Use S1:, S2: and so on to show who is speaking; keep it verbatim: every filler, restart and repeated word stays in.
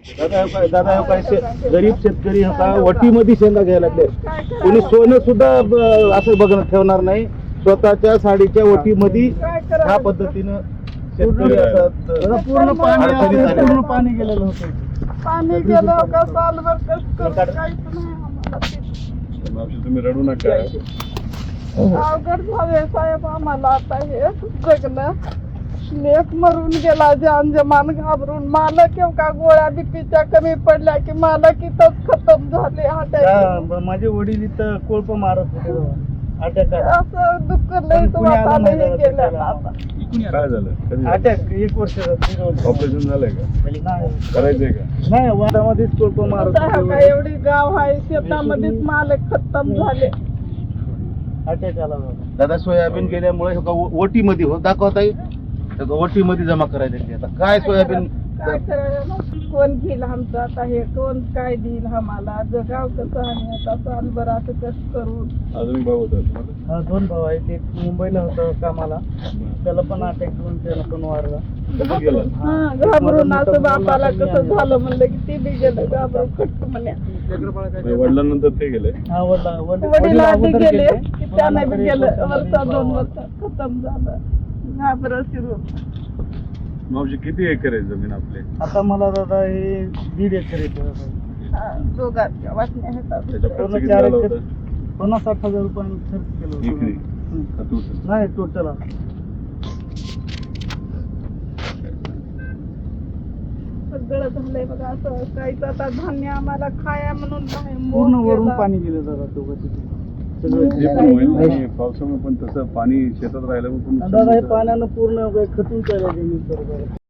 S1: दादा काय दादा हे काय शे- गरीब शेतकरी आता वटीमध्ये शेंगा घ्यायला लागले. कोणी सोनं सुद्धा ब- असं बघणं ठेवणार नाही. स्वतःच्या साडीच्या वटीमध्ये ह्या पद्धतीनं शेतकरी असतात.
S2: पूर्ण पाणी
S1: अडचणीत
S2: आहे,
S1: आले.
S2: पूर्ण पाणी गेलेलं होतं.
S3: पाणी गेलं का सालभर कष्ट करून काहीच नाही आम्हाला ते.
S4: मावशी तुम्ही रडू नका.
S3: अवघड झाले साहेब आम्हाला आता हे जगणं. लेक मरून गेला जान जमान घाबरून. मालक येऊ का गोळ्या बीपीच्या कमी पडल्या की मालक इथंच खतम झाले. हटायचे
S2: हा, माझे वडील इथं कोळप मारत होते तेव्हा. अटॅक आला.
S3: असं दुःख लई
S2: पण कुणी आलं
S3: वाटायला
S2: नाही
S3: हे
S2: तेव्हा
S3: गेलं
S2: त्याला.
S3: आता.
S4: काय झालं? कधी झालं?
S2: अटॅक एक वर्ष
S4: ऑपरेशन झालंय का?
S2: नाही
S4: करायचंय का?
S2: नाही, वादामध्येच कोळप मारत
S3: आता
S2: होते.
S3: का एवढी गाव आहे शेतामध्येच मालक खतम झाले.
S2: अटॅक आला होता.
S1: दादा सोयाबीन गेल्यामुळे वटीमध्ये हो दाखवता येईल वटीमध्ये जमा करायला लागली. आता काय सोयाबीन
S3: काय करायला कोण घेईल आमचं आता हे कोण काय देईल आम्हाला जगाव कसं आणि आता साल बरं असं कष्ट करून.
S4: अजून भाऊ होता तुम्हाला?
S2: हा, दोन भाऊ आहेत. एक मुंबईला होता कामाला, त्याला पण अटॅक येऊन त्याला पण वारला.
S4: कसं गेलं?
S3: हा घाबरून असं बापाला कसं झालं म्हणलं की ते बी गेलं घाबरून खट्ट म्हणे.
S4: म्हणजे वडिलांनंतर ते गेले.
S2: हा, वडला वडील
S3: वडील आधी
S2: अगोदर
S3: गेले
S2: गेले.
S3: की त्याने बी गेलं
S2: एक वर्ष
S3: वर्षा दोन
S2: झाले.
S3: वर्षात खतम झालं. घाबरं शिरून
S4: मावशी किती एकर आहे जमीन आपली?
S2: आता मला दादा हे दीड एकर येते.
S3: हा, दोघांच्या वाटण्या आहेत.
S4: त्याचा खर्च
S2: पूर्ण
S4: किती
S2: चार
S4: झाला
S2: एकर.
S4: होता?
S2: पन्नास साठ हजार रुपयांनी खर्च केला होता.
S4: एकरी?
S2: हम्म.
S4: का total?
S2: नाही, टोटल
S3: सगळं झालंय बघा असं काहीच आता धान्य आम्हाला खाया म्हणून नाही.
S2: पूर्ण
S3: मोग
S2: वरून
S3: गेला.
S2: पाणी गेलं दादा दोघं तिथे
S4: ते
S2: सगळं.
S4: पण होईल आणि पावसामुळे पण तसं पाणी शेतात राहिल्यामुळे पण
S2: दादा हे पाण्यानं पूर्ण खचून चाललं जमीन बरोबर.